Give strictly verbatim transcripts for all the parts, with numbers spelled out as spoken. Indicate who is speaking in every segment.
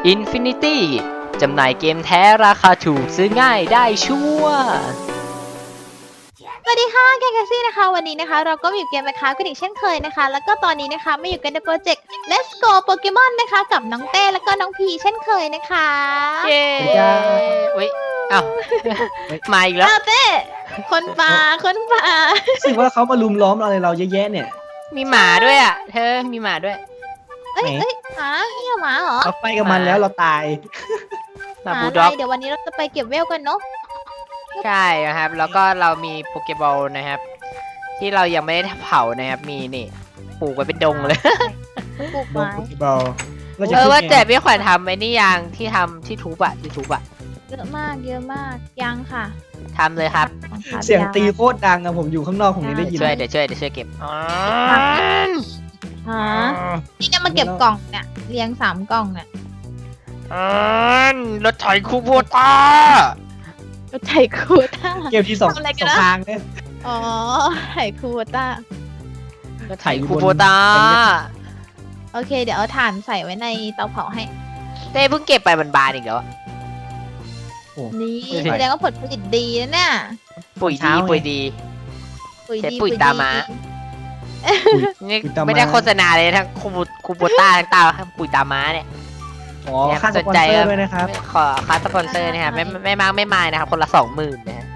Speaker 1: Infinity จำหน่ายเกมแท้ราคาถูกซื้อง่ายได้ชัวร์
Speaker 2: สวัสดีค่ะแกงแคซี่นะคะวันนี้นะคะเราก็อยู่เกมนะคะกันอีกเช่นเคยนะคะแล้วก็ตอนนี้นะคะมาอยู่กันในโปรเจกต์ Let's Go Pokemon นะคะกับน้องเต้แล้วก็น้องพีเช่นเคยนะคะ
Speaker 1: เย้เว้ยอ้าวมาอีกแล้ว
Speaker 2: อ้าวเต้คนป่าคนป่า
Speaker 3: รู้สึกว่าเขามาลุมล้อมอะไรเราเยอะแยะเนี่ย
Speaker 1: มีหมาด้วยอ่ะเธอมีหมาด้วย
Speaker 2: เอ้ย
Speaker 3: ไหน
Speaker 2: เอ้ยหมาเนี่ยหมาเหรอ
Speaker 3: เราไปกับมันแล้วเราตาย
Speaker 1: หมา
Speaker 2: ห
Speaker 1: บู
Speaker 2: มา
Speaker 1: ล
Speaker 2: อะ
Speaker 1: ด็อก
Speaker 2: ไรเดี๋ยววันนี้เราจะไปเก็บเวลกันเนาะ
Speaker 1: ใช่นะครับแล้วก็เรามีโปเกบอลนะครับที่เรายังไม่ได้เผานะครับมีนี่ปลูกไว้เป็นดงเลย
Speaker 2: ปลูก
Speaker 3: โดน
Speaker 2: ไม้
Speaker 3: โปเกบอลเราจะ
Speaker 1: เออ
Speaker 3: ขึ้น
Speaker 1: ว่า
Speaker 3: ไง
Speaker 1: แต่พี่ขวัญทำไอ้นี่ยังที่ทำที่ทุบอะที่ทุบอะ
Speaker 2: เยอะมากเยอะมากยังค่ะ
Speaker 1: ทำเลยครับ
Speaker 2: ค่ะ
Speaker 3: เสียงตี
Speaker 2: ง
Speaker 3: โคตรดังอะผมอยู่ข้างนอกผมยังได้ยิน
Speaker 1: ช่วยเดี๋ยวช่วยเดี๋ยวช่วยเก็บอ๋อ
Speaker 2: ฮะนี่จะมาเก็บกล่องเนี่ยเรียงสามกล่องเนี่ย
Speaker 1: อ๋อรถไถคูโบต้า
Speaker 2: ก็ไถ่คูต้า
Speaker 3: เกมที่สอง
Speaker 2: ทำอะไร
Speaker 3: ส
Speaker 2: กัน
Speaker 3: อง
Speaker 2: นะ
Speaker 3: ทางเนี่ย
Speaker 2: อ๋อไถ่คูต้า
Speaker 1: รถไถคูโบต้า
Speaker 2: โอเคเดี๋ยวเอาถ่านใส่ไว้ในเตาเผาให้
Speaker 1: เต้เพิ่งเก็บไปมันบานอีกแล้วอะ
Speaker 2: นี่
Speaker 1: ไม่ใช่
Speaker 2: แสดงว่าผลผลิตดีนะเนี่ย
Speaker 1: ปุ๋ยดีปุ๋ยดี
Speaker 2: ปุ๋ย
Speaker 1: ใช้
Speaker 2: ดี
Speaker 1: ปุ๋ยตาม้า นี่
Speaker 3: ปุ๋ยตา
Speaker 1: ไม่ได้
Speaker 3: ม้า
Speaker 1: โฆษณาเลยทั้งคูโบคูโบต้าทั้งตาปุ๋ยตาม้าเนี่ย
Speaker 3: อ๋อค่าสปอนเซอร์ด้วยนะครับ
Speaker 1: ขอค่าสปอนเซอร์นะครับไม่ไม่มากไม่มายนะครับคนละสองหมื่นนะฮะ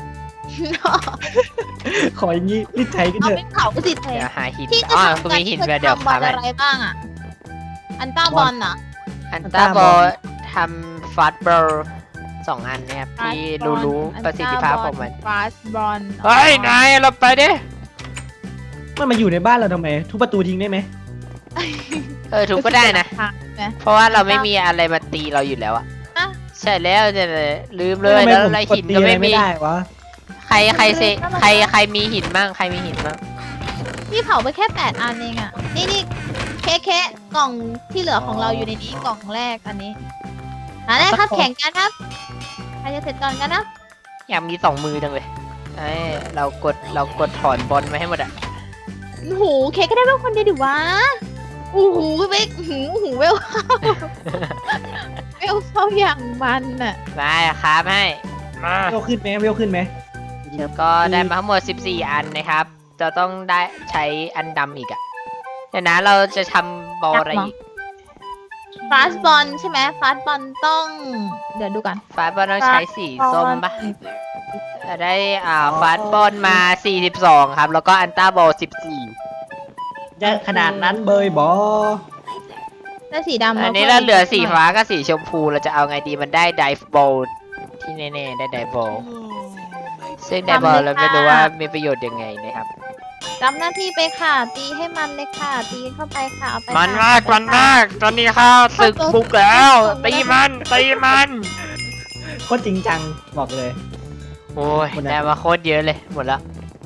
Speaker 3: ขออย่างนี้รีบไถกัน
Speaker 2: เอา
Speaker 3: เถ
Speaker 2: ไป
Speaker 3: อะ
Speaker 2: เผาสิเท
Speaker 1: เดี๋ยวหาหิน
Speaker 2: ที่จะ
Speaker 1: อ๋อ
Speaker 2: ทำ
Speaker 1: กู
Speaker 2: กัน
Speaker 1: มีหิน
Speaker 2: คือ
Speaker 1: เดี๋ยว
Speaker 2: ทำบอ
Speaker 1: พา
Speaker 2: ล
Speaker 1: ไป
Speaker 2: อะไรบ้างอ่ะ อันต้าบอลเหรอ
Speaker 1: อันต้าบอลทำฟาสบอลสองอันนะครับที่รู้รู้ประสิทธิภาพของมัน
Speaker 2: ฟาสบอล
Speaker 1: เฮ้ยนายเราไปดิ
Speaker 3: มันมาอยู่ในบ้านเราทำไม ทุบประตูทิ้งได้ไหม
Speaker 1: เออถูกก็ได้นะ เพราะว่าเราไม่มีอะไรมาตีเราอยู่แล้วอะ
Speaker 2: อ่ะ
Speaker 1: ใช่แล้วจะลืมเลย
Speaker 3: ทำไม
Speaker 1: แล้ว
Speaker 3: ผม
Speaker 1: อะไร
Speaker 3: กด
Speaker 1: หิน
Speaker 3: ตี
Speaker 1: ก็
Speaker 3: อะไร
Speaker 1: ไม่
Speaker 3: ไม่
Speaker 1: มี
Speaker 3: ได้วะ
Speaker 1: ใครใครเซใครใครมีหินบ้างใครมีหินบ้าง
Speaker 2: พี่เผาไปแค่แปดอันเองอ่ะ นี่นี่แค่แค่กล่องที่เหลือของเราอยู่ในนี้กล่องแรกอันนี้อันแรกครับแข่งกันครับใครจะเสร็จก่อนกันนะ
Speaker 1: อยากมีสองมือจังเลยไอ้เรากดเรากดถอนบอลมาให้หมดอะ
Speaker 2: โอ้โหเคก็ได้เป็นคนเดียวดิวะโอ้โหเวกหูหูเวลเข้าเวลเข้าอย่างมันอ่ะ
Speaker 1: มาครับให้มา
Speaker 3: เวลขึ้นไหมเวลขึ้นไหม
Speaker 1: ก็ได้มาทั้งหมดสิบสี่อันนะครับ จะต้องได้ใช้อันดำอีกอะเดี๋ยวนะเราจะทำบอลอะไรอีก
Speaker 2: ฟาสบอลใช่ไหมฟาสบอลต้อง เดี๋ยวดูกัน
Speaker 1: ฟาสบอลต้องใช้สีส้มปะจะได้อ่าฟาสบอลมาสี่สิบสองครับ แล้วก็อันต้าบอลสิบสี่
Speaker 3: เยอะขนาดนั้นเบยบอ
Speaker 2: ได้สีดำ
Speaker 1: อันนี้เราเหลือสีฟ้ากับสีชมพูเราจะเอาไงดีมันได้ไดฟ์บอลที่แน่ๆได้ไดฟ์บอลซึ่งไดฟ์บอลเราไม่รู้ว่ามีประโยชน์ยังไงนะครับ
Speaker 2: รับหน้าที่ไปค่ะ ตีให้มันเลยค่ะ ตีเข้าไปค่ะเอาไป
Speaker 1: มัน
Speaker 2: ค่ะ
Speaker 1: มากมันมากตอนนี้ข้าศึกบุกแล้วตีมันตีมัน
Speaker 3: โคตรจริงจังบอกเลย
Speaker 1: โอ้ยได้มาโคตรเยอะเลยหมดแล้ว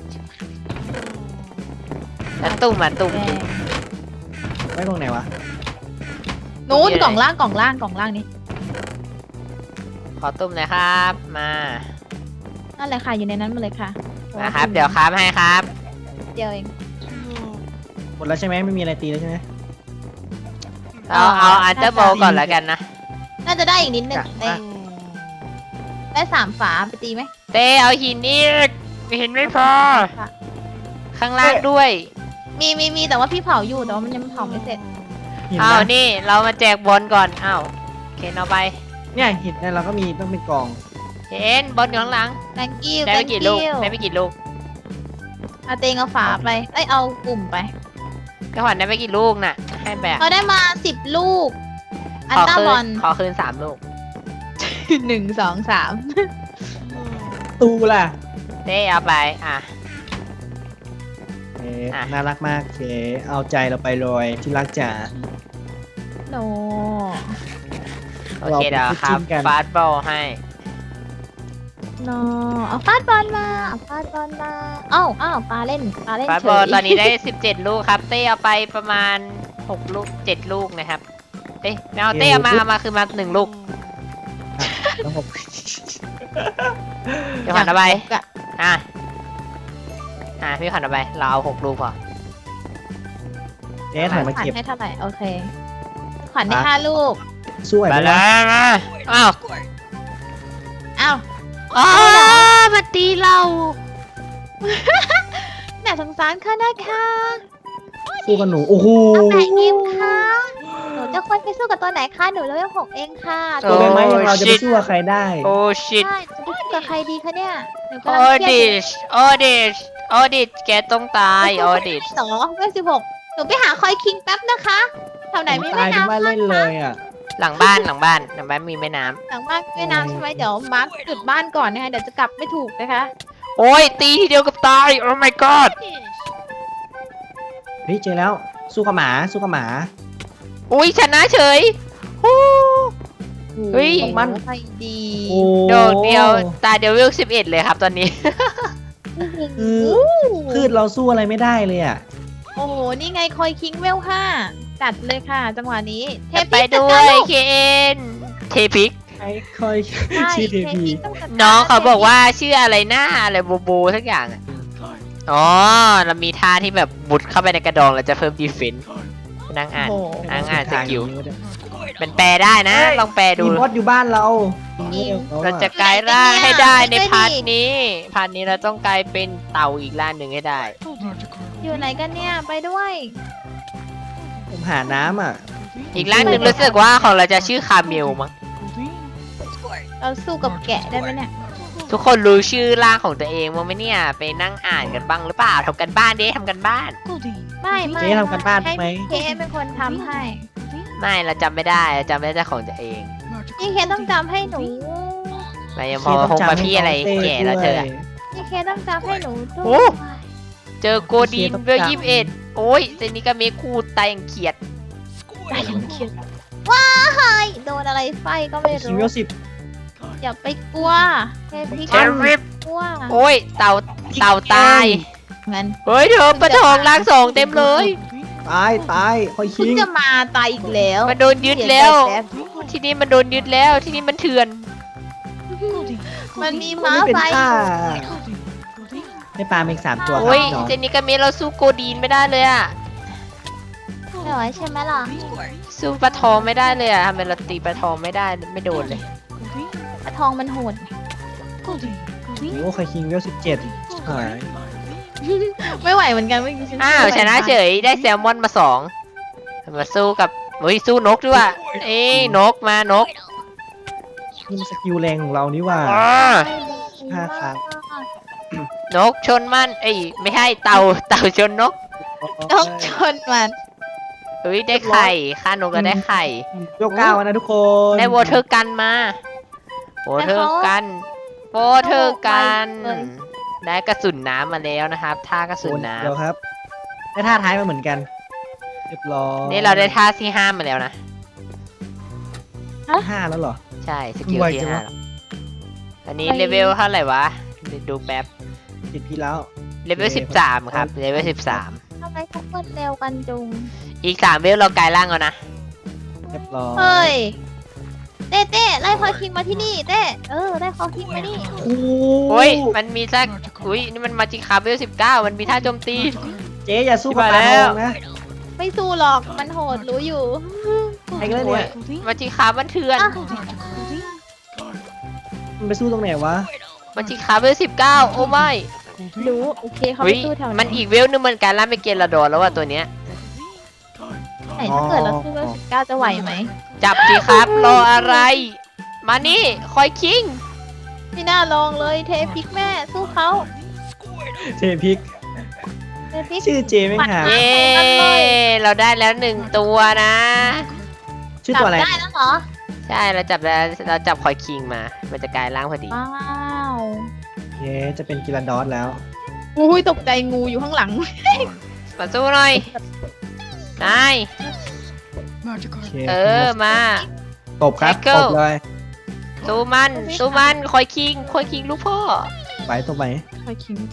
Speaker 1: แล้วตุ่มมันตุ่ม
Speaker 2: แดง
Speaker 3: ไว้ตรงไหนวะ
Speaker 2: นู้นกล่องล่างกล่องล่างกล่องล่างนี่
Speaker 1: ขอตุ่มหน่อยครับมา
Speaker 2: นั่นแหละค่ะอยู่ในนั้นมาเลยค่ะ
Speaker 1: นะครับเดี๋ยวครับให้ครับ
Speaker 2: เดียวเอง
Speaker 3: หมดแล้วใช่ไหมไม่มีอะไรตีแล้วใช่ไหม
Speaker 1: เอาเอาอันเตอร์โบก่อนแล้วกันนะ
Speaker 2: น่าจะได้อีกนิดนึง
Speaker 3: จ้ะ
Speaker 2: เต้ได้สามฝาไปตีไหม
Speaker 1: เต้เอาหินอีกหินไม่พอ
Speaker 2: ค่ะ
Speaker 1: ข้างล่างด้วย
Speaker 2: มีมีมีแต่ว่าพี่เผาอยู่แต่ว่ามันยังเผาไม่เสร็จ
Speaker 3: หิน
Speaker 1: เอา
Speaker 3: นะ
Speaker 1: นี่เรามาแจกบอลก่อนอ้าวเคนเอาไป
Speaker 3: เนี่ยหินเนี่ยเราก็มีต้องเป็นกล่อง
Speaker 1: เคนบอลอยู่ข้างหลัง
Speaker 2: thank you
Speaker 1: ได้ไป
Speaker 2: thank
Speaker 1: กี่ลูก
Speaker 2: you
Speaker 1: ได้ไปกี่ลูก
Speaker 2: เอาเตงเอาฝาไปเอ้ยเอากลุ่มไป
Speaker 1: ก็ขวัญได้ไปกี่ลูกน่ะให้แบบ
Speaker 2: เขาได้มาสิบลูก อัน
Speaker 1: ขอ
Speaker 2: ต้า
Speaker 1: คื
Speaker 2: บอล
Speaker 1: นขอคืนสามลูก
Speaker 2: หนึ่งสองสาม
Speaker 3: ตูล่ะ
Speaker 1: เต้เอาไปอ่ะ
Speaker 3: เอ๊ะ
Speaker 1: อ่ะ
Speaker 3: น่ารักมากเคเอาใจเราไปเลยที่รักจ๋า
Speaker 2: โน
Speaker 1: โอเคเดี๋ยวครับ
Speaker 3: เราไปจิ้มกัน
Speaker 1: ฟาสบอลให้
Speaker 2: โนเอาฟาดบอลมาเอาฟาดบอลมาเอ้าเอ้าปลาเล่นปลาเล่น
Speaker 1: ฟาส
Speaker 2: เฉ
Speaker 1: บอล
Speaker 2: ย
Speaker 1: ตอนนี้ได้สิบเจ็ดลูกครับ เต้เอาไปประมาณหกลูกเจ็ดลูกนะครับเอ้ยไม่เอาเต้เอามาเอามาคือมาหนึ่งลูก
Speaker 3: แล้วผม
Speaker 1: พี่ขวัญเอาไป
Speaker 2: กะ
Speaker 1: อ่ะอ่ะพี่ขวัญเอาไปเราเอาหกลูกพอ
Speaker 3: เอ๊ะถ่ายมา
Speaker 2: ขวัญ
Speaker 3: เก็บ
Speaker 2: ให้เท่าไหร่โอเค ขวัญได้
Speaker 3: อ่ะ
Speaker 2: ห้าลูก
Speaker 3: สู้ไหว
Speaker 1: ไป
Speaker 3: ไหม
Speaker 1: แล้วมาอ้าว
Speaker 2: อ้าว
Speaker 1: อ๋อมาตีเรา
Speaker 2: น่าสงสารค่ะนะคะ
Speaker 3: สู้กับหนูโอ้โห
Speaker 2: ตั้งแต่ยิมค่ะหนูจะควรไปสู้กับตัวไหนคะหนูเลเวลหกเองค่ะ
Speaker 3: ตัวใบไม้อย่างเราจะไปสู้กับใครได้
Speaker 1: โอ้ชิต
Speaker 2: ใช่จะไปสู้กับใครดีคะเนี่ยหนูกำ
Speaker 1: โอ
Speaker 2: ลังเครี
Speaker 1: ดิ
Speaker 2: ยด
Speaker 1: ชโอดิชโอดิชแกต้องตายโอดิช
Speaker 2: สองเวลสิบหกหนูไปหาคอยคิงแป๊บนะคะแถวไหนมี
Speaker 3: ตา
Speaker 2: แม่
Speaker 3: ยทั้ง
Speaker 2: น้ำ
Speaker 3: บ้านเล่นเลยอ่ะ
Speaker 1: หลังบ้านหลังบ้านหลังบ้านมีแม่น้
Speaker 2: หลังบ้านแม่น้ำใช่ไหมเดี๋ยวมาร์คจุดบ้านก่อนนะคะเดี๋ยวจะกลับไม่ถูกนะคะ
Speaker 1: ำโอ้ยตีทีเดียวกับตายโอ้ my god
Speaker 3: เฮ้ยเจอแล้วสู้กับหมาสู้กับหมา
Speaker 1: อุ้ยชนะเฉยฮู้ เฮ้ย
Speaker 2: โอ้โห
Speaker 3: มัน
Speaker 2: ไปดี
Speaker 3: โอ้
Speaker 1: โดดเดียวตาเดียวเวลสิบเอ็ดเลยครับตอนนี้
Speaker 3: คือพืชเราสู้อะไรไม่ได้เลยอ่ะ
Speaker 2: โอ้โหนี่ไงคอยคิงเวลห้าจัดเลยค่ะ จังหวะนี้เท
Speaker 1: จะไป
Speaker 2: พิกจั
Speaker 1: ด้ว
Speaker 2: การ
Speaker 1: ย
Speaker 2: ลูก
Speaker 1: เคนเทพิก
Speaker 3: ไอ้คอย
Speaker 2: ใช่
Speaker 3: ชื่อเท
Speaker 2: เท
Speaker 3: พี
Speaker 2: พิกต้องจัดร
Speaker 1: น้องเขาบอกว่าชื่ออะไรหน้าอะไรโบโบสักอย่างอะอ๋อเรามีท่าที่แบบบุดเข้าไปในกระดองเราจะเพิ่มดีเฟนส์นั่งอ่าน
Speaker 2: โอ้โห
Speaker 1: อ่านอ่านสกิล เป็นแปลได้นะ ลองแปลดู
Speaker 3: มีมดอยู่บ้านเรา
Speaker 1: เราจะกลายร่างให้ได้ในพาร์ทนี้ พาร์ทนี้เราต้องกลายเป็นเต่าอีกร่างหนึ่งให้ได้
Speaker 2: อยู่ไหนกันเนี่ยไปด้วย
Speaker 3: ผมหาน้ำอ่ะ
Speaker 1: อีกร่างหนึ่งรู้สึกว่าของเราจะชื่อคาเมลมั้ง
Speaker 2: เราสู้กับแกะได้ไหมเนี่ย
Speaker 1: ทุกคนรู้ชื่อร่างของตัวเองมั้งไหมเนี่ย ไปนั่งอ่านกันบ้างหรือเปล่าทำกันบ้านดิทำกันบ้าน
Speaker 2: ไม่ไม่
Speaker 3: เจ๊ทำกันบ้าน
Speaker 2: ให้
Speaker 3: ไหม
Speaker 2: เคสเป็นคนทำให้
Speaker 1: ไม่เราจำไม่ได้เราจำไม่ได้แต่ของตัวเอง
Speaker 2: นี่เคสต้องจำให้หนู
Speaker 1: ไม่ยังพอคงมาพี่อะไรแก่แล้วเธออะ
Speaker 2: นี่เคสต้องจำให้หนูด้
Speaker 1: โอ้
Speaker 2: วย
Speaker 1: เจอโกดีนเวลยี่สิบเอ็ดโอ้ยเจนี่ก็เมคูตายอย่างเขียด
Speaker 2: ตายยังเขียนว้ายโดนอะไรไฟก็ไม่
Speaker 3: คิง
Speaker 2: รู้
Speaker 3: เวลสิบ
Speaker 2: อย่าไปกลัวเทพิก
Speaker 1: เทริป
Speaker 2: กลัว
Speaker 1: โอ้ยเต่าเต่าตาย
Speaker 2: งั้น
Speaker 1: เฮ้ยเธอปลาทองร่างสองเต็มเลย
Speaker 3: ตายตายคอย
Speaker 2: เพิ่
Speaker 3: คิ
Speaker 2: ง
Speaker 3: ง
Speaker 2: จะมาตายอีกแล้ว
Speaker 1: มันโดนยึดแล้ว
Speaker 2: เสียใจป๊บ
Speaker 1: ที่นี่มันโดนยึดแล้วที่นี่มันเถื่อน
Speaker 2: มันมี
Speaker 3: มัน
Speaker 2: ม้า
Speaker 3: ไม่เป็น
Speaker 2: ไฟ
Speaker 3: ท่าได้ปลาอีกสามตัวค
Speaker 1: โอ้ย
Speaker 3: รับน้อง
Speaker 1: เจนี่ก็เมเราสู้โกดีนไม่ได้เลยอะ
Speaker 2: ไม่ไหวใช่ไหมล่ะ
Speaker 1: สู้ปลาทองไม่ได้เลยอะทำไมเราตีปลาทองไม่ได้ไม่โดนเลย
Speaker 2: ปลาทองมันโหด
Speaker 3: โอ้คอยคิงเวลสิบเจ็ดหาย
Speaker 2: ไม่ไหวเหมือนกันเมื่อกี้ฉัน
Speaker 1: อ้าวชนะเฉยได้แซลมอนมาสองมาสู้กับเฮ้ยสู้นกด้วยว่ะเอ้ยนกมานก
Speaker 3: นี่มันสกิลแรงของเรานี่ว่า
Speaker 1: อ่า
Speaker 3: ห้าครั้ง
Speaker 1: นกชนมันเอ้ยไม่ใช่เต่าเต่าชนนก
Speaker 2: นกชนมัน
Speaker 1: เฮ้ยได้ไข่ค่านกก็ได้ไข่
Speaker 3: ยกเก้านะทุกคน
Speaker 1: ได้วอเทอร์กันมาวอเทอร์กันวอเทอร์กันได้กระสุนน้ำมาแล้วนะครับท่ากระสุนน้
Speaker 3: เดี๋ยวครับ ได้ท่าท้ายมาเหมือนกัน เรียบร้อย
Speaker 1: ำนี่เราได้ท่าที่ห้ามาแล้วนะ
Speaker 3: ห้าแล้วเหรอ
Speaker 1: ใช่สกิล
Speaker 3: ไว
Speaker 1: ที่
Speaker 3: จัง
Speaker 1: ห้าว
Speaker 3: ะ
Speaker 1: แล้วอันนี้เลเวลเท่าไหร่วะเดี๋ยวดูแป๊บ
Speaker 3: ติดพี่แล้ว
Speaker 1: เลเวลสิบสามครับเลเวลสิบสาม
Speaker 2: ทำไมทุกคนเร็วกันจุง
Speaker 1: อีกสามเวลเรากลายร่างแล้วนะ
Speaker 3: เรียบร้อย
Speaker 2: เฮ้ย เต้เต้ไล่คอยคิงมาที่นี่เต้เออไล่คอยคิงมานี่
Speaker 3: โอ้
Speaker 1: โอ้ยมันมีสักอุ้ยนี่มันมาจิคาเวลสิบเก้ามันมีท่าโจมตี
Speaker 3: เจ๊อย่าสู้กับ
Speaker 1: ที่
Speaker 3: ปลา
Speaker 1: มาแล้
Speaker 3: ท
Speaker 1: ว
Speaker 3: องนะ
Speaker 2: ไม่สู้หรอกมันโหดรู้อยู่
Speaker 3: ไอ้ก็เนี่ย
Speaker 1: มาจิคามันเถื่อน
Speaker 2: อ่ะ
Speaker 3: มันไปสู้ตรงไหนวะ
Speaker 1: มาจิคาเวลสิบเก้าโอ้ไม่
Speaker 2: รู้โอเคเขา
Speaker 1: เฮ้
Speaker 2: ไป
Speaker 1: ย
Speaker 2: สู้แถวไหน
Speaker 1: มันอีกเวลนึงมันกลายร่างเป็นเกลาดอนแล้วว่ะตัวเนี้ย
Speaker 2: ไหนถ้าเกิดเราสู้เวลสิบเก้าจะไหวไหม
Speaker 1: จับสิครับ รออะไร มานี่คอยคิง
Speaker 2: ไม่น่าลองเลยเทพิกแม่สู้เขา
Speaker 3: เจพิก
Speaker 2: เทพิก
Speaker 3: ชื่อเจไม่หา
Speaker 1: เย้เราได้แล้วหนึ่งตัวนะ
Speaker 3: ชื่อตัวอะไร
Speaker 2: จับได้แล้วเหรอ
Speaker 1: ใช่เราจับแล้วเราจับคอยคิงมา มันจะกลายร่างพอดี
Speaker 2: ว้าว
Speaker 3: เย้จะเป็นกิรันดอสแล้ว
Speaker 2: อุ้ยตกใจงูอยู่ข้างหลัง
Speaker 1: มาสู้หน่อยนาย
Speaker 3: โอเค
Speaker 1: เออมา
Speaker 3: ตบครับ
Speaker 1: ไมเคิล
Speaker 3: ตบเลย
Speaker 1: สู้มันสู้มันคอยคิงคอยคิงลูกพ่อ
Speaker 3: ไปตบไป
Speaker 2: คอยคิง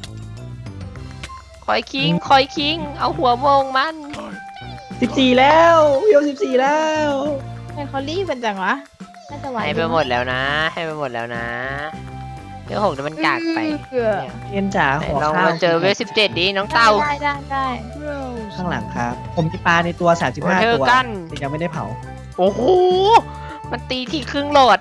Speaker 1: คอยคิงคอยคิง เอาหัวโมงมัน
Speaker 3: สิบสี่แล้วเวลสิบสี่แล้ว
Speaker 2: ทำไมเขารีบเป็นจังวะน่าจะไหว
Speaker 1: ให้ไปหมดแล้วนะ ให้ไปหมดแล้วนะเวลหกเดี๋ยวมันกากไป
Speaker 2: เกือ
Speaker 1: เนี่ย
Speaker 3: เรียนจ๋า
Speaker 1: ไหน
Speaker 3: ขอ
Speaker 1: ลอง
Speaker 3: ข้าว
Speaker 1: มาเจอเวลสิบเจ็ดดิน้องเต่า
Speaker 2: ได้ได้ได้
Speaker 3: ข้างหลังครับ ผมมีปลาในตัวสามสิบ
Speaker 1: วอ
Speaker 3: ห้า
Speaker 1: เทอ
Speaker 3: ตัว
Speaker 1: ร์กัน
Speaker 3: แต่ยังไม่ได้เผา
Speaker 1: โอ้โหมันตีทีครึ่งโหลด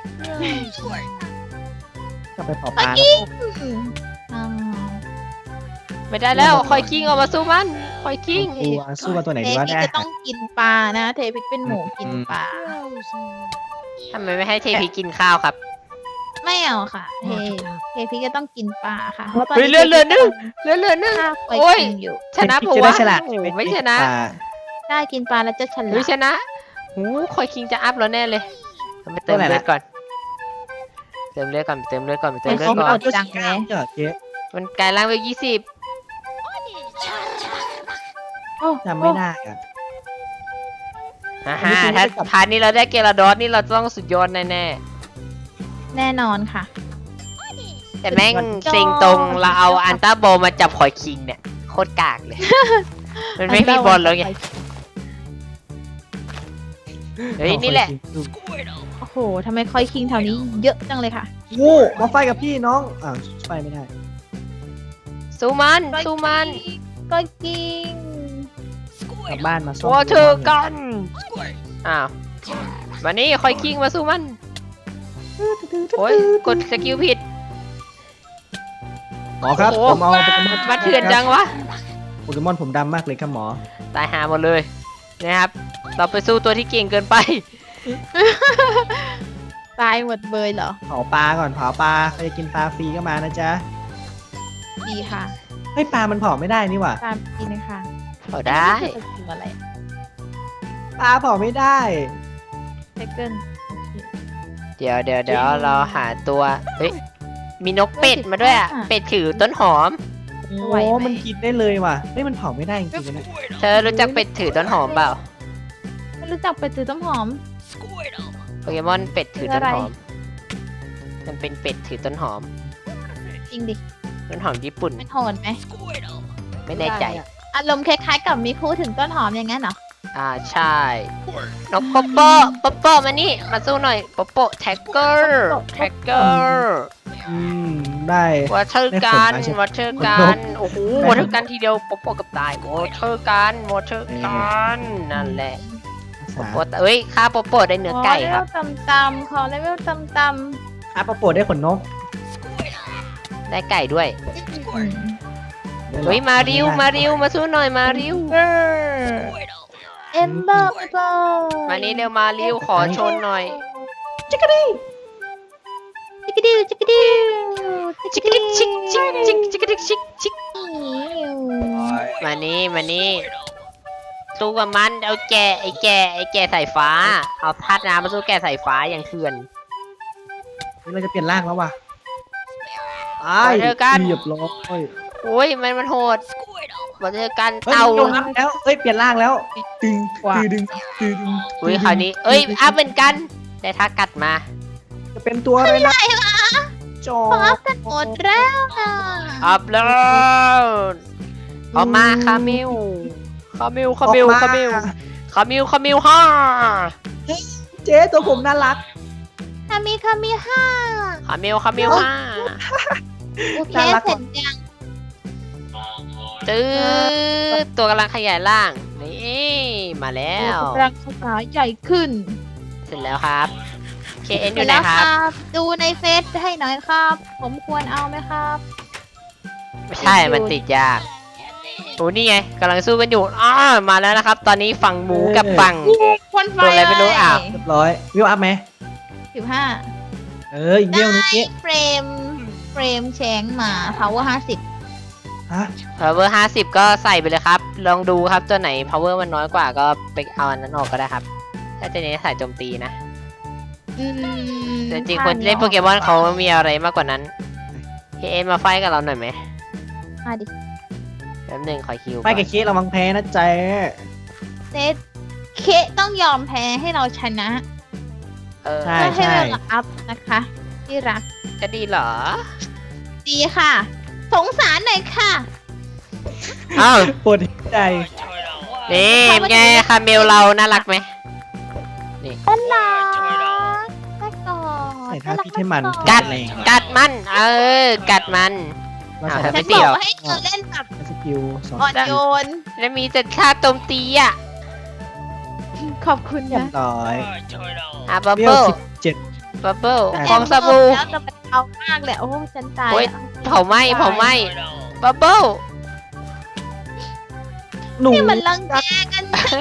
Speaker 3: ก็ไปเผาปลา
Speaker 2: อืมอ่า
Speaker 1: ไม่ได้แล้วคอยคิงออกมาสู้มันคอยคิง
Speaker 3: ตัวสู้กับตัวไหน
Speaker 2: เท
Speaker 3: ดีวะ
Speaker 2: พิก
Speaker 3: เนี่ย
Speaker 2: จะต้องกินปลานะ เทพิกเป็นหมูกินปลา
Speaker 1: ทำไมไม่ให้เทพีกินข้าวครับ
Speaker 2: ไม่เอาค่ะ เทเทพิกจะต้องกินปลาค่ะเพราะตอน
Speaker 1: เฮ้ย
Speaker 2: นี้
Speaker 1: เลื่อนเลื่อนนึงเลื่อนเลื่อนนึง
Speaker 2: ข้าวไป
Speaker 1: โอ้ย
Speaker 2: กินอยู่
Speaker 1: ชนะเพราะ
Speaker 3: จะ
Speaker 1: ว่า
Speaker 3: ได้ฉลาด
Speaker 1: โอ้โหไม่ชนะ
Speaker 3: ปลา
Speaker 2: ได้กินปลาแล้วจะฉลา
Speaker 1: เฮ้ย
Speaker 2: ด
Speaker 1: ชนะหูคอยคิงจะอัพแล้วแน่เลยเราไปเติม
Speaker 3: ตัวไหน
Speaker 1: เลือ
Speaker 3: นะ
Speaker 1: ดก่อนเติมเลือดก่อนเติมเลือดก่อนเติมเลือด
Speaker 2: เขา
Speaker 1: ก่
Speaker 2: เอา
Speaker 1: อน
Speaker 2: จังเลย
Speaker 3: เจอเจ๊
Speaker 1: มันกลายร่างเป็นยี่สิบ
Speaker 2: โอ้
Speaker 3: จำไม่ได้อะ
Speaker 1: ฮ่า
Speaker 3: อันนี้
Speaker 1: ฮ่า
Speaker 3: คือ
Speaker 1: ถ้า
Speaker 3: ไม่ได้กลับ
Speaker 1: พาร์ทนี้เราได้เกลาดอสนี่เราต้องสุดยอดแน่
Speaker 2: แน่นอนค่ะ
Speaker 1: ๆแต่แม่งเซ็งตรงเราเอาอันต้าโบมาจับคอยคิงเนี่ยโคตรกากเลย มันไม่มีบอลแล้วไงเฮ้ยนี่แหละ
Speaker 2: โอ้โหทำไมคอยคิงแถวนี้เยอะจังเลยค่ะ
Speaker 3: งูมาไฟกับพี่น้องอ่าวไฟไม่ได้
Speaker 1: สู้มันสู้มัน
Speaker 2: ก็กิน
Speaker 3: กลับบ้านมาซ่อม
Speaker 1: วอเตอร์กันอ้าวมานี่คอยคิงมาสู้มันโอ้ยกดสกิลผิด
Speaker 3: หมอครับ
Speaker 1: โอ้โห
Speaker 3: ผมเอาโปเกมอน
Speaker 1: มาเถื่อนจังวะ
Speaker 3: โปเกมอนผมดำมากเลยครับหมอ
Speaker 1: ตายหาหมดเลยนะครับ เราไปสู้ตัวที่เก่งเกินไป
Speaker 2: ตายหมดเบยเหรอ
Speaker 3: เผาปลาก่อนเผาปลาใครจะกินปลาฟรีก็มานะจ๊ะ
Speaker 2: ดีค่ะ
Speaker 3: เฮ้ยปลามันเผาไม่ได้นี่หว่า
Speaker 2: ตามกินนะคะ
Speaker 1: เอาได้
Speaker 2: นี่คือสกิลอะไร
Speaker 3: ปลาเผาไม่ได้
Speaker 2: ไซเกิล
Speaker 1: เดี๋ยวเดี๋ยวเดี๋ยวเราหาตัว เฮ้ย มีนกเป็ดมาด้วยอ่ะ เป็ดถือต้นหอม
Speaker 3: โอ้มันกินได้เลยว่ะเฮ้ยมันเผาไม่ได้จริงๆนะ
Speaker 1: เธอรู้จักเป็ดถือต้นหอมเปล่า
Speaker 2: ไม่รู้จักไปซื้อต้มหอม
Speaker 1: โปเกมอนเป็ดถือต้นหอม มันเป็นเป็ดถือต้นหอม
Speaker 2: จริงดิ
Speaker 1: ต้นหอมญี่ปุ่น
Speaker 2: มันโหดไหม
Speaker 1: ไม่แน่ใจ
Speaker 2: อารมณ์คล้ายๆกับมีพูดถึงต้นหอมอย่างนั้นเหรอ
Speaker 1: อ่าใช่ นกโปโปโปโปมานี่ มาสู้หน่อยโปโปแท็กเกอร์แท็กเกอร์
Speaker 3: อืมได้
Speaker 1: วอเตอร์กัน
Speaker 3: ได้ผลมาใช่ไหม
Speaker 1: วอเตอร์กันโอ้โหวอเตอร์กันทีเดียวโปโปกับตายวอเตอร์กันวอเตอร์กันนั่นแหละ
Speaker 3: ภา
Speaker 1: โป
Speaker 3: ษา
Speaker 1: โปเอ้ยข้าโปโปได้เนื้อไก่ครับ
Speaker 2: ขอเลเวลตำๆขอเลเวลตำ
Speaker 3: อาปะโปรดได้ขนนก
Speaker 1: ได้ไก่ด้วย
Speaker 2: ๆอืม
Speaker 1: เฮ้ยมาริวมาริวมาสู้หน่อยมาริว
Speaker 2: เอมเบอร์เบอร์
Speaker 1: มานี่เร็วมาริวขอชนหน่อย
Speaker 2: จิกกะดิจิกกะดิจิกกะดิ
Speaker 1: ชิกดิกชิกชิกชิกชิกดิกชิกชิกมานี่มานี่สู้กับมันเอาแกะไอ้แกะไอ้แกะสายฟ้า เอาธาตุน้ำมาสู้แกะสายฟ้าอย่างเถื่อน
Speaker 3: นี่เราจะเปลี่ยนร่างแล้วว่ะตาย
Speaker 1: เจอกัน
Speaker 3: เรียบร้อย
Speaker 1: โอ้ยมันมันโหดมาเจอกัน
Speaker 3: เฮ้ย
Speaker 1: เต่า
Speaker 3: ลงน้ำแล้วเอ้ยเปลี่ยนร่างแล้วตึงตึงดึงตึง
Speaker 1: อุ้ยคราวนี้เอ้ยอัพเหมือนกันได้ท่ากัดมา
Speaker 3: จะเป็นตัวอะไรนะจอ
Speaker 2: พร้อมกันหมดแล้วนะ
Speaker 1: อัพแล้วออกมาคามิวคามิวคามิวคามิวคามิวคามิวฮ่า
Speaker 3: เจ๊ตัวผมน่ารัก
Speaker 2: คามีคามีห้า
Speaker 1: คามิวคามิวฮ่า
Speaker 2: โอเค
Speaker 3: น่ารัก
Speaker 2: เสร็จยัง
Speaker 1: ตื้อตัวกำลังขยายร่างนี่มาแล้ว
Speaker 2: กำลังขยายใหญ่ขึ้น
Speaker 1: เสร็จแล้วครับ เค เอ็น อ
Speaker 2: เสร็
Speaker 1: ยู่
Speaker 2: จ
Speaker 1: ไหน
Speaker 2: แล้ว
Speaker 1: ค
Speaker 2: ครับ รับ ดูในเฟซให้หน่อยครับ ผมควรเอาไหมครับ
Speaker 1: ไม่ใช่มันติดยากโอ้นี่ไงกำลังสู้กันอยู่อ้ามาแล้วนะครับ ตอนนี้ฝั่งหมูกับฝั่ง
Speaker 2: คนไฟ
Speaker 1: ตัวอะไรไม่รู้อ่ะ
Speaker 3: เรียบร้อยวิวอัพไหม
Speaker 2: สิบห้า
Speaker 3: เอออีกเยี่ยวนึงเจ๊
Speaker 2: เฟรม เฟรมแชงมา power ห้าสิบ
Speaker 3: ฮะ
Speaker 1: power ห้าสิบก็ใส่ไปเลยครับ ลองดูครับตัวไหน power มันน้อยกว่าก็ไปเอาอันนั้นออกก็ได้ครับ ถ้าจะเน้นสายโจมตีนะ
Speaker 2: อืม
Speaker 1: แต่จริงๆคนที่เล่นโปเกมอนเขามีอะไรมากกว่านั้น เค เอ็น มาไฟท์กับเราหน่อยไหม
Speaker 2: มาดิ
Speaker 1: แป๊บหนึงขอคิว
Speaker 3: ไปกับเคสระวังแพ้นะเจ๊
Speaker 2: เซตเคต้องยอมแพ้ให้เราชนะ
Speaker 1: เออ
Speaker 3: ใช่
Speaker 2: เพื่อให้
Speaker 3: ใช่
Speaker 2: เราอัพนะคะ ที่รัก
Speaker 1: จะดีเหรอ
Speaker 2: ดีค่ะ สงสารหน่อยค่ะ
Speaker 1: อ้าว
Speaker 3: ปวดใจ
Speaker 1: นี่เป็นไงคาเมลเราน่ารักไหม
Speaker 2: อันรักแม่กอด
Speaker 3: ใส่ท่าพิษให้มัน
Speaker 1: กัด
Speaker 3: แรง
Speaker 1: กัดมัน เออ กัดมัน
Speaker 3: เรา
Speaker 1: อ่า
Speaker 3: ใส่
Speaker 1: ไม่
Speaker 2: ฉัน
Speaker 1: เกี่
Speaker 2: บ
Speaker 1: ยว
Speaker 2: อกว่าให้เธอเล่นแบบ
Speaker 3: สกิลสอง
Speaker 2: อ่อนโยน
Speaker 1: แล้วมีแต่ท่าโจมตีอ่ะ
Speaker 2: ขอบคุณ
Speaker 3: เรียบ
Speaker 2: นะ
Speaker 3: ร้อย
Speaker 1: อ่ะบับ
Speaker 3: เรีย
Speaker 1: เบิ้
Speaker 3: ว
Speaker 1: ล
Speaker 3: สิบเจ็ด
Speaker 1: บับเบิ้ล
Speaker 3: อ่ะ
Speaker 1: ฟองสบู่
Speaker 2: แล้วจะมันเอามากเลยโอ้ฉันตาย
Speaker 1: โอ้ย
Speaker 2: อะ
Speaker 1: เผาไหม้เผาไหม้บับเบิ้ล
Speaker 3: หนู
Speaker 2: นี่มันรังแกกัน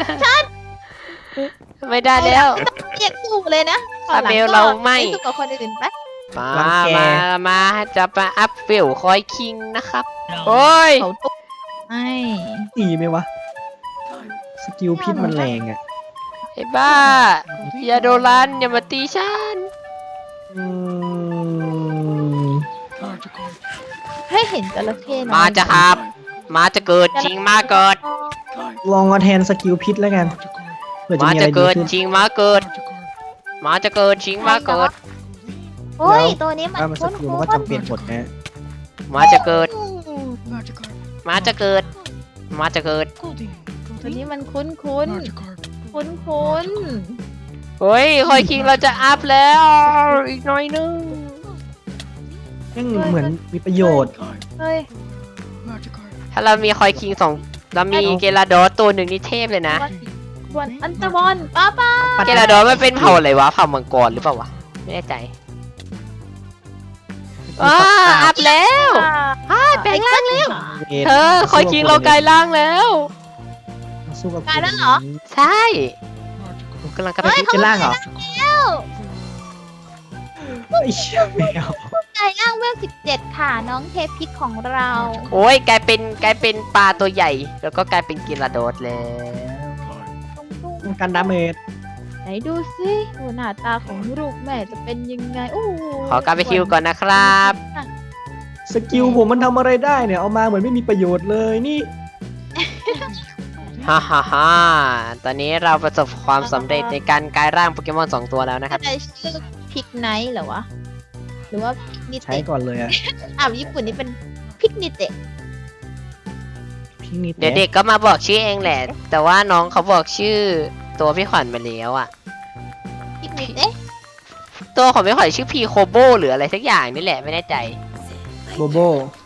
Speaker 1: ไม่ได้แล้ว
Speaker 2: เรียกสู้เลยนะ
Speaker 1: ซาเบลเราไม่
Speaker 2: สู้กับคนอื่นไป
Speaker 1: มามามาจะมาอัพเฟลคอยคิงนะครับโอ้ย
Speaker 2: เขาตุ๊กไม่
Speaker 3: ตีไหมวะ สกิลพิษมันแรงอ่ะ
Speaker 1: ไอ้บ้าอย่าโดนรันอย่ามาตีฉัน
Speaker 3: อืม
Speaker 2: ให้เห็นจระเข้น้อย
Speaker 1: มาจะครับ มาจะเกิดจริงมาเกิด
Speaker 3: ลองมาแทนสกิลพิษแล้วกันเผื่อจะ
Speaker 1: มา
Speaker 3: มีอะ
Speaker 1: จะ
Speaker 3: ไรดี
Speaker 1: เกิด
Speaker 3: ขึ้น
Speaker 1: จริงมาเกิด มาจะเกิดจริงมาเกิด
Speaker 2: โอ้ยตัวนี้มัน
Speaker 3: ถ้ามันส
Speaker 2: คุ้น
Speaker 3: กิล
Speaker 2: คุ้
Speaker 3: มัน
Speaker 2: น
Speaker 3: ก็จำเป็นหมดนะ
Speaker 1: มาจะเกิด มาจะเกิด มาจะเกิด
Speaker 2: ตัวนี้มันคุ้นคุ้นคุ้นคุ้น
Speaker 1: เฮ้ยคอยคิงเราจะอัพแล้ว อีกหน่อยนึง
Speaker 3: ยังเหมือนมีประโยชน์
Speaker 2: เฮ้ย
Speaker 1: ถ้าเรามีคอยคิงสองเรามีเกลาดอสตัวหนึ่งนี่เทพเลยนะ
Speaker 2: วันอันตะบอลป้าป้า
Speaker 1: เกลาดอสมันเป็นเผ่าอะไรวะ เผ่ามังกรหรือเปล่าวะ ไม่แน่ใจว้าอัพแล้วอ้าแปลงร่างแล้วเธอคอยคิงเรากลายร่างแล้ว
Speaker 3: มาสู้กับ
Speaker 2: กลายแล้วเหรอ
Speaker 1: ใช่ผมกำลังกลับไป
Speaker 3: เฮ้ยเป็นร่างเหรอ
Speaker 2: แล้ว
Speaker 3: ไอ้เชี่ยแมว
Speaker 2: กลายร่างเวลสิบเจ็ดค่ะน้องเทพิกของเรา
Speaker 1: โอ้ยกลายเป็นกลายเป็นปลาตัวใหญ่ แล้วก็กลายเป็นเกลาดอสแล้ว
Speaker 3: กันดาเมจ
Speaker 2: ไหนดูสิดูหน้าตาของลูกแม่จะเป็นยังไงโอ้โห
Speaker 1: ขอกลับไปคิวก่อนนะครับ
Speaker 3: สกิลผมมันทำอะไรได้เนี่ย เอามาเหมือนไม่มีประโยชน์เลยนี่
Speaker 1: ฮ่าฮ่าฮ่าตอนนี้เราประสบความสำเร็จในการกลายร่างโปเกมอนสองตัวแล้วนะครับ
Speaker 2: จะชื่อพิกไนท์เหรอวะ หรือว่านิ
Speaker 3: ใช้
Speaker 2: เตะ
Speaker 3: ก่อนเลยอะ
Speaker 2: อ่าวญี่ปุ่นนี่เป็นพิกนิเตะ
Speaker 3: พี่นิด
Speaker 1: เดี๋ยวเด็กก็มาบอกชื่อเองแหละ แต่ว่าน้องเขาบอกชื่อตัวพี่ขวัญไปแล้วอะ
Speaker 2: พิกนิเตะ
Speaker 1: ตัวของพี่ขวัญชื่อพีโคโบหรืออะไรสักอย่างนี่แหละไม่แน่ใจ
Speaker 3: โบโบ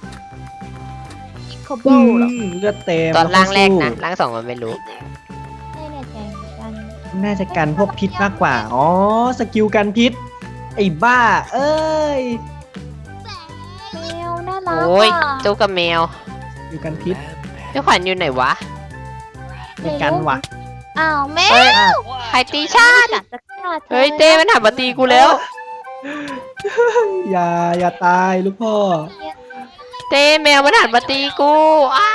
Speaker 2: โคโบเหรอ
Speaker 3: อืมเลือดเต็ม
Speaker 1: ตอนร่างแรกนะ
Speaker 3: แล้ว
Speaker 1: ร่างสองมันไม่รู้
Speaker 2: ไม่แน่ใจเหมือนกัน
Speaker 3: สู้น่าจะกันพวกพิษมากกว่า อ๋อ สกิลกันพิษ ไอ้บ้า เอ้ย
Speaker 2: แมวน่ารัก
Speaker 1: โอ้ย
Speaker 2: อ่ะ
Speaker 1: ตู้กับแมว
Speaker 3: อยู่กันพิษ
Speaker 1: พี่ขวัญอยู่ไหนวะ
Speaker 3: มีกันวะ
Speaker 2: อ้าวแม
Speaker 1: เฮ้ย
Speaker 2: ว
Speaker 1: ใครตีชาติ
Speaker 2: กัดจะฆ่าธอ
Speaker 1: เฮ้ยเต้มันหันมาตีกูแล้ว
Speaker 3: อย่า อย่าตายลูกพ่อ
Speaker 1: เต้แมวมันหันมาตีกูอ้า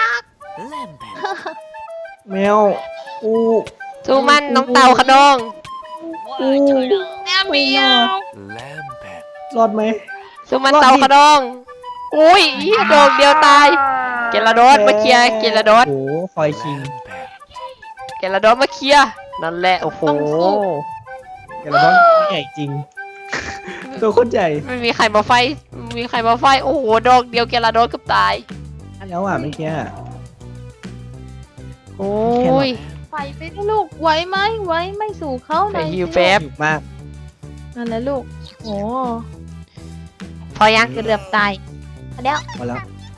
Speaker 3: แมว อู้
Speaker 1: สู้มันน้องเต่าขนอง
Speaker 3: อู้
Speaker 2: แมวเมียว
Speaker 3: รอดไหม
Speaker 1: สู้มันเต่าขนองอุ้ยเหี้ยโดนเดียวตาย เกลาโดสมาเคลียร์เกลาโดส
Speaker 3: โอ้โหคอยคิง
Speaker 1: เกลาโดสมาเคลียร์นั่นแหละโอ้โห
Speaker 3: เกลาดอนใหญ่จริง ตัวโคตรใหญ่
Speaker 1: ไม่มีใครมาไฟไม่มีใครมาไฟโอ้โหดอกเดียวเกลาโดสเกับตาย
Speaker 3: แล้วอ่ะเมื่อกี้อะ
Speaker 1: โอ้ย
Speaker 2: ไปไปนะลูกไหวไหมไหวไม่สู่เขาห
Speaker 1: ไป
Speaker 2: น่อย
Speaker 1: ฮิว
Speaker 2: สิ
Speaker 1: แป๊บ
Speaker 3: หิวมาก
Speaker 2: นั่นแหละลูกโอ้
Speaker 1: พอยัง
Speaker 2: เกือบตายอันเนี้ย
Speaker 3: พอแล้ว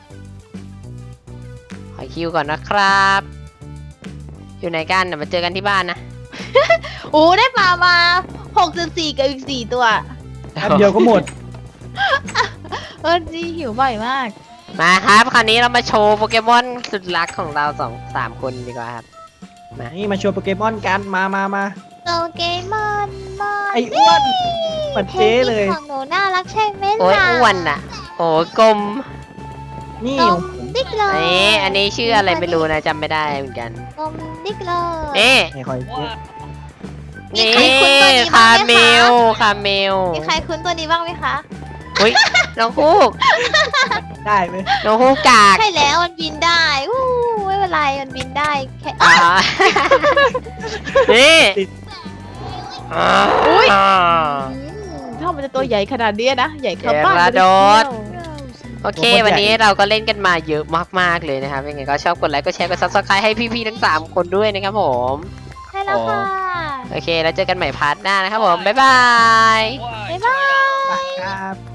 Speaker 1: ขอคิวก่อนนะครับ อยู่ไหนกันเดี๋ยวมาเจอกันที่บ้านนะ
Speaker 2: โอ้ได้ปลามาหกจุดสี่กับอีกสี่ตัว
Speaker 3: แป๊บเดียวก็หมด
Speaker 2: เออจีหิวบ่อยมาก
Speaker 1: มาครับคราวนี้เรามาโชว์โปเกมอนสุดรักของเราสองสามคนดีกว่าครับ
Speaker 3: นี่มาโชว์โปเกมอนกัน มามามา
Speaker 2: โปเกมอนมอน
Speaker 3: ไอ้อ้วนเหมือนเจ๊เลย
Speaker 2: ของหนูน่ารักใช่ไหมล่ะ
Speaker 1: โอ้ยอ้วนอ่ะ โอ้ยกลม
Speaker 3: นี่
Speaker 2: กลมดิกเล
Speaker 1: อัน
Speaker 2: ย
Speaker 1: นี้อันนี้ชื่ออะไรไม่รู้นะจำไม่ได้เหมือนกัน
Speaker 2: กลมดิกเลย
Speaker 1: นี่
Speaker 3: ไอ้คอยเจ๊
Speaker 2: มี
Speaker 1: นี่
Speaker 2: ใครคุ้นตัวนี้
Speaker 1: คา
Speaker 2: บ้างไหม
Speaker 1: เม
Speaker 2: คะ
Speaker 1: ลคาเมล
Speaker 2: มีใครคุ้นตัวนี้บ้างไหมคะ
Speaker 1: อุ้ยน้องฮูก
Speaker 3: ได้ไหม
Speaker 1: น้องฮูกกาก
Speaker 2: ใช่แล้วมันบินได้อู้ไม่เป็นไรมันบินได้แค่
Speaker 1: อ่านี่
Speaker 2: อุ๊ย
Speaker 1: อ่า
Speaker 2: ถ้ามันจะตัวใหญ่ขนาดนี้นะใหญ่เข้า
Speaker 1: เก
Speaker 2: บ้าน
Speaker 1: ลาโดส
Speaker 2: เลย
Speaker 1: โอเค วันนี้เราก็เล่นกันมาเยอะมากๆเลยนะครับยังไงก็ชอบกดไลค์กดแชร์กดซับสไครต์ให้พี่ๆทั้งสามคนด้วยนะครับผม
Speaker 2: ใช่แล้วค่ะ
Speaker 1: โอเคแล้วเจอกันใหม่พาร์ทหน้านะครับผมบ๊ายบาย
Speaker 2: บ๊ายบาย
Speaker 3: ครับ